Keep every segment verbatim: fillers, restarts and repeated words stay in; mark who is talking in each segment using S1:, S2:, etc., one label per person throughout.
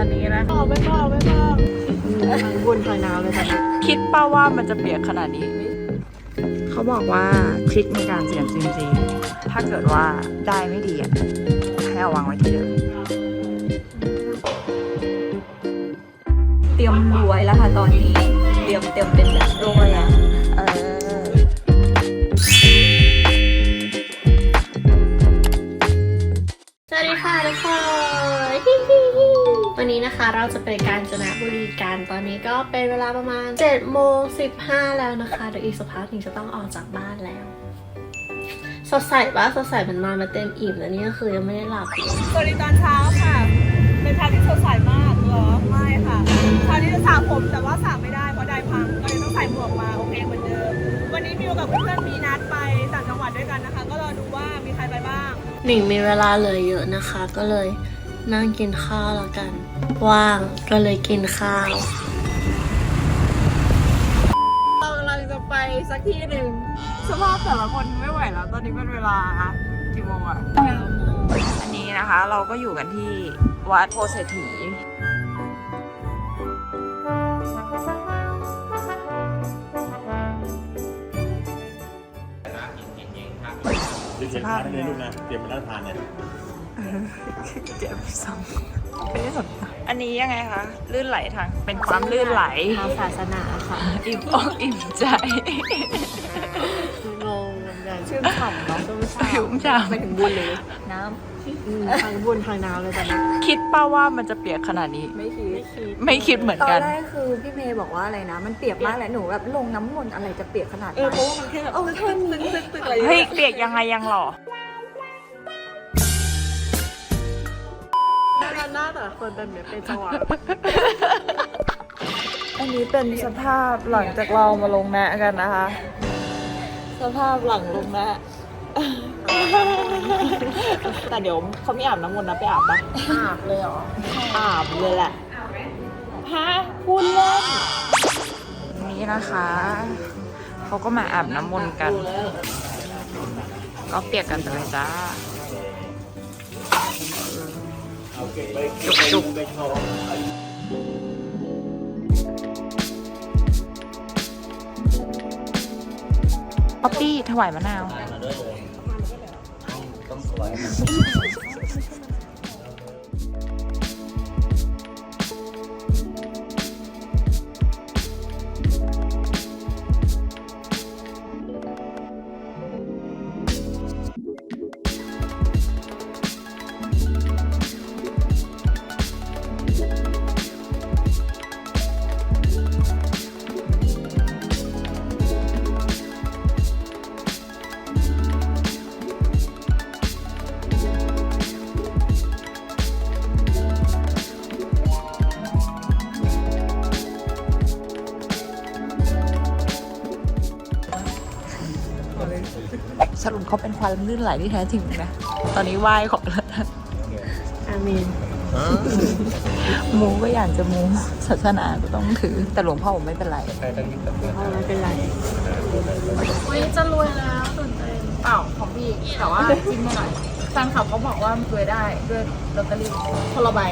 S1: อนนี้นะบอกไม่บอกไม่บอกทางบนทางน้ำเลยค่ะคิดป้าว่ามันจะเปียกขนาดนี้เขาบอกว่าทริคในการเสี่ยงซิมซีถ้าเกิดว่าได้ไม่ดีอ่ะให้เอาวางไว้ที่เดิม
S2: เตรียมรวยแล้วค่ะตอนนี้เตรียมเตรียมเป็นแบบรวยอ่ะเออสวัสดีค่ะทุกคนวันนี้นะคะเราจะไปกาญจนบุรีกันตอนนี้ก็เป็นเวลาประมาณเจ็ดโมงสิบห้าแล้วนะคะเดี๋ยวอีกสักพักหนึ่งจะต้องออกจากบ้านแล้วสดใสปะสดใสมันนอนมาเต็มอิ่มแล้วนี่ก็คือยังไม่ได้หลับเลย
S3: สวัสดีตอนเช้าค่ะเป็นเช้าที่สดใสมากเหรอไม่ค่ะเช้านี้จะสระผมแต่ว่าสระไม่ได้เพราะไดพังก็เลยต้องใส่หมวกมาโอเคเหมือนเดิมวันนี้มิวกับเพื่อนๆมีนัดไปต่างจังหวัดด้วยกันนะคะก็รอดูว่ามีใครไปบ้าง
S2: หนิงมีเวลาเหลือเยอะนะคะก็เลยนั่งกินข้าวแล้วกันว่างก็เลยกินข้าว
S1: เรากำลังจะไปสักที่หนึ่งสภาพแต่ละคนไม่ไหวแล้วตอนนี้เป็นเวลากี่โมงอะอันนี้นะคะเราก็อยู่กันที่วัดโพเศรษฐี
S4: สภาพเนี่ยลูกนะเตรียมมาแล้วทานเนี่ย
S1: เจ็บซ้ำไม่ได้สนอันนี้ยังไงคะลื่นไหลทางเป็นความลื่นไหล
S2: ทางศาสนาค่ะ
S1: อิ่มอกอิ่มใจ
S2: งงเหมือนกันชื่อฉ่ำเนาะชื่อฉ่ำ
S1: ชุ่มฉ่ำ
S2: ไปถึงบุญเลยน้ำทางบุญทางน้ำเลยตอนนี้
S1: คิดป้าว่ามันจะเปียกขนาดนี้
S2: ไม่คิดไม่คิด
S1: ไม่คิดเหมือนกัน
S5: ตอนแรกคือพี่เมย์บอกว่าอะไรนะมันเปียกมากแหละหนูแบบลงน้ำมนต์อะไรจะเปียกขนาดนั้น
S3: เออเพราะว่ามันแค่แบบ
S5: เออแค่นี้
S1: เฮ้ยเปียกยังไงยังหรอ
S3: หน้าแต่คนเป็นแบบเป็นจังหวะ
S1: อันนี้เป็นสภาพหลังจากเรามาลงแนะกันนะคะสภาพหลังลงแนะแต่เดี๋ยวเขาไม่อาบน้ำมนต์นะไปอาบปะ
S2: อาบเลยเหรอ
S1: อาบเลยแหละฮะพูดเล่นนี่นะคะเขาก็มาอาบน้ำมนต์กันก็เปียกกันไปเลยจ้าจุกจุกป๊อปปี้ถวายมะนาวสรุปเขาเป็นความลื่นไหลที่แท้จริงนะตอนนี้ไหว้ขอแล้ว
S2: อามีน
S1: มูก็อยากจะมูศาสนาก็ต้องถือแต่หลวงพ่อผมไม่เป็นไร
S2: พ่อไม่เป็นไร
S1: วันนี้จะรวยแล้วตื่นเต้นเปล่าของพี่แต่ว่าจิ้มไม่หน่อยแฟนคลับเขาบอกว่ารวยได้ด้วยลอตเตอรี่คนละใบ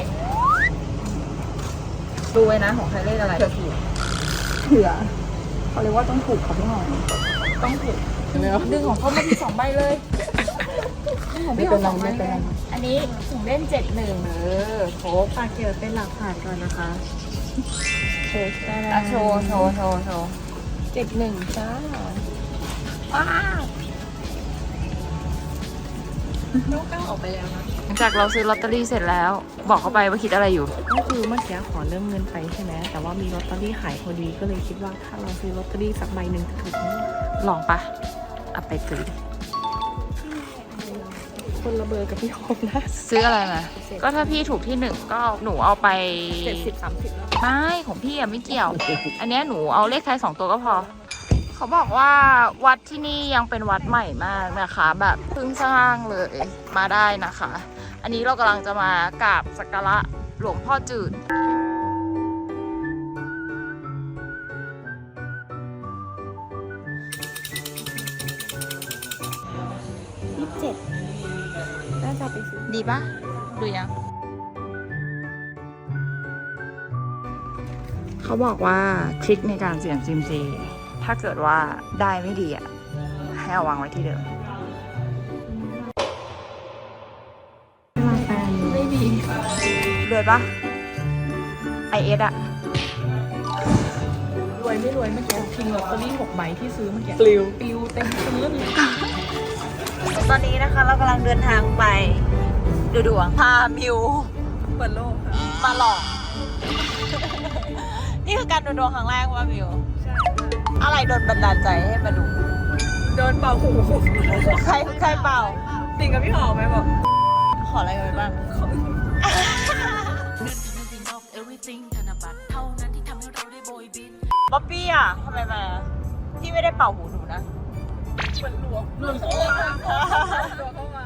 S1: ดูไว้นะของใครเลขอะไรเผื่อถูก
S5: เผื่อเขาเรียกว่าต้องถูกเขาไม่หน่อย
S1: ต้องถูกดึงของเขามาที่สองใบเลย
S5: ของพี่เป็นไรไม่เป็นไร
S1: อันนี้ถุงเล่นเจ็ดหนึ่งเออโครบ
S2: ฝากเก็บเป็นหลักฐานก่อนนะคะ
S1: โชว์โชว์โชว์โชว์โชว์เจ็ดหนึ่งจ้าว้าว
S2: น้องก้าวออกไปแล้วนะ
S1: หลังจากเราซื้อลอตเตอรี่เสร็จแล้วบอกเขาไปว่าคิดอะไรอยู่
S2: ก็คือเมื่อกี้ขอเริ่มเงินไปใช่ไหมแต่ว่ามีลอตเตอรี่ขายพอดีก็เลยคิดว่าถ้าเราซื้อลอตเตอรี่สักใบหนึ่งจะถูก
S1: ลองปะเอาไปซื้อ
S2: คนละเบอร์กับพี่โฮมนะ
S1: ซื้ออะไรมาก็ถ้าพี่ถูกที่หนึ่งก็หนูเอาไป
S2: เจ็ดสิบสามสิบ
S1: ไม่ของพี่อะไม่เกี่ยวอันนี้หนูเอาเลขท้ายสองตัวก็พอเขาบอกว่าวัดที่นี่ยังเป็นวัดใหม่มากนะคะแบบเพิ่งสร้างเลยมาได้นะคะอันนี้เรากำลังจะมากราบสักการะหลวงพ่อจืด
S5: เจ็ดน่าจะไปซื้อ
S1: ดีปะดูยังเขาบอกว่าทริคในการเสี่ยงซิมซีถ้าเกิดว่าได้ไม่ดีอ่ะให้เอาวางไว้ที่เดิมไม่ดีรวยปะไอเอสอะ
S3: รวยไม่รวยเมื่อกี้ทิ้งลอตเตอรี่หกใบที่ซื้อเมื่อกี้ปลิวปลิวเต็มพื้น
S1: ตอนนี้นะคะเรากำลังเดินทางไปดูดวงพามิว
S3: เปิดโลกค่ะ
S1: มาหลอก นี่คือการดูดวงครั้งแรกว่ามิว
S3: ใช่
S1: อะไรโดนบันดาลใจให้มาดู
S3: โดนเป่าหู
S1: ใครใครเปล่า
S3: ติ่งกับพี่หอมไหมบอก
S1: ขออะไรกันไปบ้าง บ๊อบบี้อ่ะทำไมมาพี่ไม่ได้เป่าหูหนูนะ
S3: เหมือนหลวงหลวงเข้ามาหลวงเข้ามา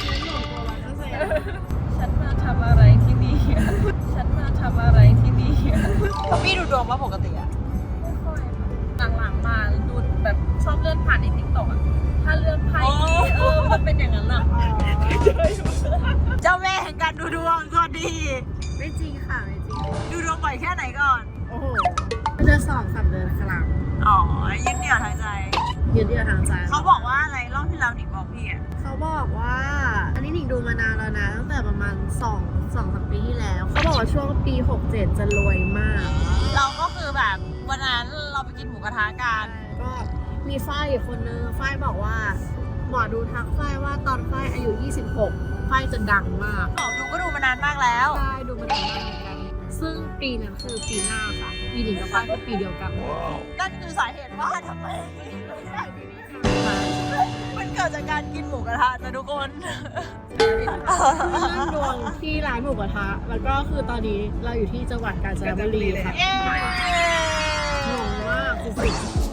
S3: ฉันมาทำอะไรที่นี่ฉันมาทำอะไรที่นี่
S1: บ๊อบบี้ดูดวงมาปกติอ่ะ
S3: ไม่ค่อยค่ะหลังๆมาดูแบบชอบเลื่อนผ่านในทิกตอกอะถ้าเลื่อนไพ่เออมันเป็นอย่างนั้นอะ
S1: เจ้าแม่แห่งการดูดวงสวัสดี
S2: ไม่จริงค่ะไม่จริง
S1: ดูดวงบ่อยแค่ไหนก่อน
S2: โอ้โหเดือนสองสามเดือนครั้ง
S1: อ๋อยึดเหนี่ยวทางใจ
S2: ยืนเดียวทางใจ
S1: เขาบอกว่าอะไรรอบที่แล้วหนิงบอกพี่อ่ะ
S2: เขาบอกว่า อันนี้หนิงดูมานานแล้วนะตั้งแต่ประมาณสองสองสามปีที่แล้วเขาบอกว่าช่วงปีหกเจ็ดจะรวยมาก
S1: เราก็คือแบบวันนั้นเราไปกินหมูกระทะกัน
S2: ก็มีฝ้ายอีกคนนึงฝ้ายบอกว่าหมอดูทักฝ้ายว่าตอนฝ้ายอายุยี่สิบหกฝ้ายจะดังมาก
S1: หมอดูก็ดูมานานมากแล้ว
S2: ฝ้ายดูมานานมากเหมือนกัน ซึ่งปีนั้นคือปีหน้าค่ะ ปีหนิงกับฝ้ายก็ปีเดียวกัน
S1: นั่นคือสาเหตุว่าทำไมมันเกิดจากการกินหมูกระทะนะทุกคน
S2: เรื่องดวงที่ร้านหมูกระทะ แล้วก็คือตอนนี้เราอยู่ที่จังหวัดกาญจนบุรีค่ะ
S1: เย้
S2: งงมากสุด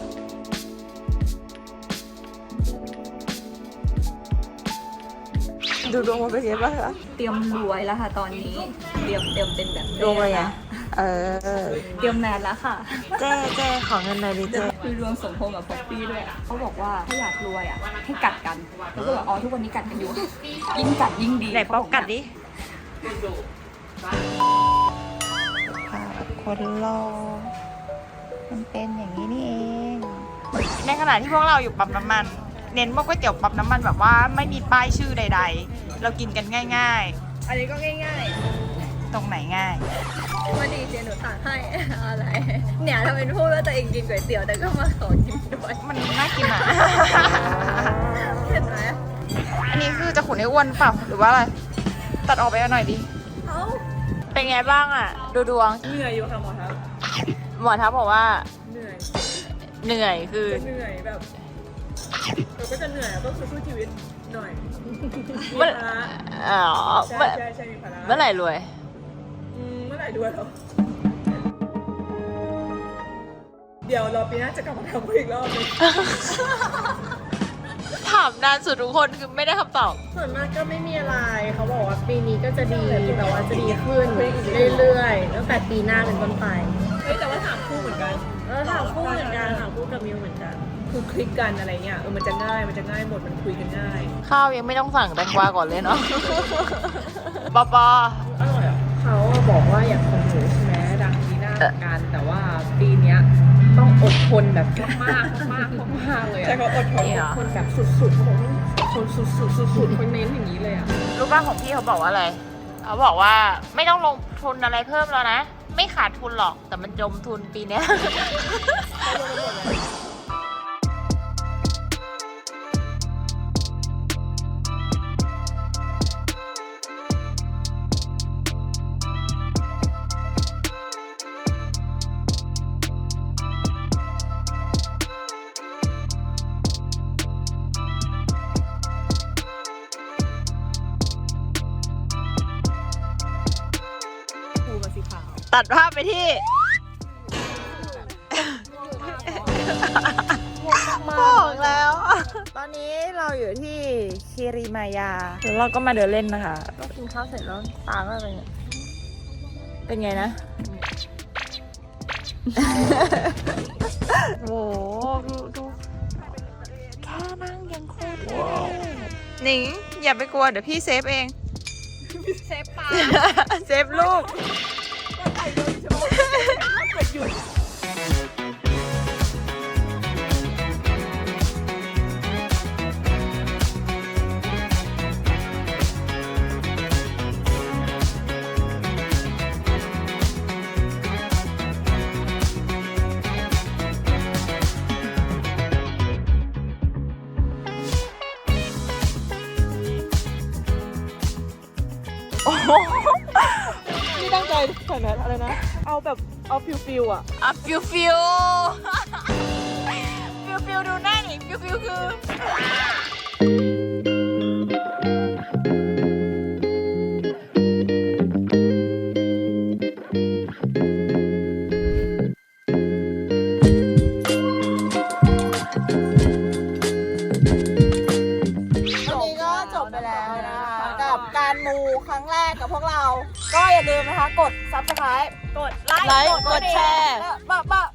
S1: ดูดวงมาเป็นยังไงบ้างคะ
S5: เตรียมรวยแล้วค่ะตอนนี้ เตรียมเตรียมเป็นแบบ
S1: ดวงอะไรอ่ะเออ
S5: เตรียมแมนแล้วค่ะ
S1: เจ๊เจ๊ขอเงินหน่อยดิเจ๊
S5: คือรวมสมพงษ์กับป๊อปปี้ด้วยอะเขาบอกว่าถ้าอยากรวยอ่ะให้กัดกันแล้วก็แบบอ๋อทุกวันนี้กัดกันอยู่ ยิ่งกัดยิ่งดี
S1: ไหนป๊อกกัดดิคนรอมันเป็นอย่างนี้นี่เอง ในขณะที่พวกเราอยู่ปั๊มน้ำมัน เน้นว่าก๋วยเตี๋ยวปั๊มน้ำมันแบบว่าไม่มีป้ายชื่อใด ๆ เรากินกันง่าย
S3: อันนี้ก็ง่าย
S1: ๆ ตรงไหนง่าย
S3: ๆมาดีเจหนูสั่งให้อะไร เนี่ยทำเป็นพูดว่าตัวเองกินก๋วยเตี๋ยวแต่ก็มาขอกินด้วย
S1: มันน่ากินอ่ะ
S3: เห็นไหม
S1: อันนี้คือจะขุนให้อ้วนเปล่าหรือว่าอะไร ตัดออกไปเอาหน่อยดิ
S3: เอ้า
S1: เป็นไงบ้างอ่ะ ดูดวง
S3: เหนื่อยอยู่ค่ะหมอทัพ
S1: หมอทัพบอกว่า
S3: เหนื่อย
S1: เหนื่อยคือ
S3: จะเหนื่อยแบบเราก็จะเหนื่อยแล้วก็คือสู้ชีวิตหน่อยมี
S1: เมื่อ
S3: ภาระ
S1: อ๋อ
S3: ใช่
S1: เมื่อ
S3: ใช่ใช่มีภาระ
S1: เมื่อไหร่รวย
S3: อืมเมื่อไหร่ด้วยเหรอเดี๋ยวรอปีหน้าจะกลับมาทำอีกรอบนึง
S1: ถามนานสุดทุกคนคือไม่ได้คำตอบ
S2: ส่วนมากก็ไม่มีอะไร เขาบอกว่าปีนี้ก็จะดี แต่ว่าจะดีขึ้นเรื่อยๆ ตั้งแต่ปีหน้าเป็นต้นไป
S3: เฮ้ยแต่ว่าถามคู่เหมือนกัน
S2: เออถามคู่เหมือนกันถามคู่กับมิวเหมือนกัน
S3: คือคลิกกันอะไรเงี้ยเออมันจะง่ายมันจะง่ายหมดมันคุยกันง่าย
S1: ข้าวยังไม่ต้องสั่งแตงกวาก่อนเลยเนาะ ปอปอ
S3: อร่อยอ่ะเขาบอกว่าอยากของหนูใช่ไหมดังปีหน้ากันแต่ว่าปีเนี้ยต้องอดทนแบบมากมากมากเลยใช่เขาอดทนอดทนแบบสุดๆเขาบอกว่าคนสุดๆสุดๆเขาเน้นอย่างนี้เลยอ่ะ
S1: รู้ป่ะของพี่เขาบอกว่าอะไร เขาบอกว่าไม่ต้องลงทุนอะไรเพิ่มแล้วนะ ไม่ขาดทุนหรอก แต่มันจมทุนปีเนี้ย
S3: คูกับสีขาว
S1: ตัดภาพไปที่ บอกแล้ว ตอนนี้เราอยู่ที่คิริมายาแล้วเราก็มาเดินเล่นนะคะก็กินข้าวเสร็จแล้วตาก็เป็นไงเป็นไงนะ โอ้โหดูดูแค่นั่งยังโคตรเท่หนิงอย่าไปกลัวเดี๋ยวพี่เซฟเอง
S3: เซฟปลา
S1: เซฟลูก
S3: ก็ไข่เลยใช่ไหมเกิดหยุดใส่แมสอะไรนะ เอาแบบเอาฟิลฟิลอะ
S1: อ่ะฟิวฟิวฟิวฟิวดูหน้าหนิฟิวฟิวคือ
S3: วันนี้ก็จบไปแล้วนะคะกับการมูครั้งแรกกับพวกเรา ก็อย่าลืมนะคะ กด ซับสไครบ์ กดไลค์ กดแชร์บะบะ